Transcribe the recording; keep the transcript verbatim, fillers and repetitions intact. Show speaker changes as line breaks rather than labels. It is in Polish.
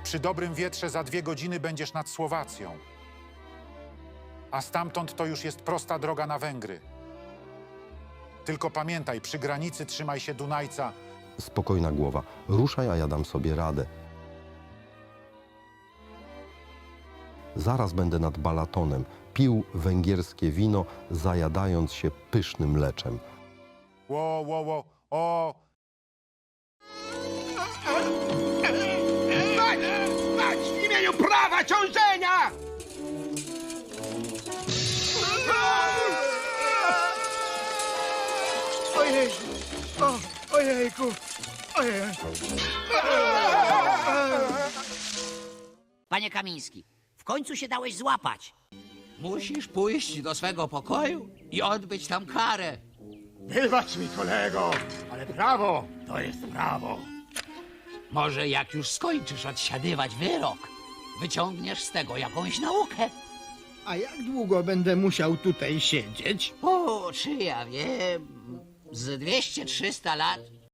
Przy dobrym wietrze za dwie godziny będziesz nad Słowacją. A stamtąd to już jest prosta droga na Węgry. Tylko pamiętaj, przy granicy trzymaj się Dunajca.
Spokojna głowa. Ruszaj, a ja dam sobie radę. Zaraz będę nad Balatonem. Pił węgierskie wino, zajadając się pysznym mleczem.
Ło, ło, ło, o!
Stać! Stać! W imieniu prawa ciążenia!
Ojej! O, ojejku! Ojej!
Panie Kamiński, w końcu się dałeś złapać.
Musisz pójść do swego pokoju i odbyć tam karę.
Wybacz mi, kolego, ale prawo to jest prawo.
Może jak już skończysz odsiadywać wyrok, wyciągniesz z tego jakąś naukę.
A jak długo będę musiał tutaj siedzieć?
O, czy ja wiem, z dwieście trzysta lat.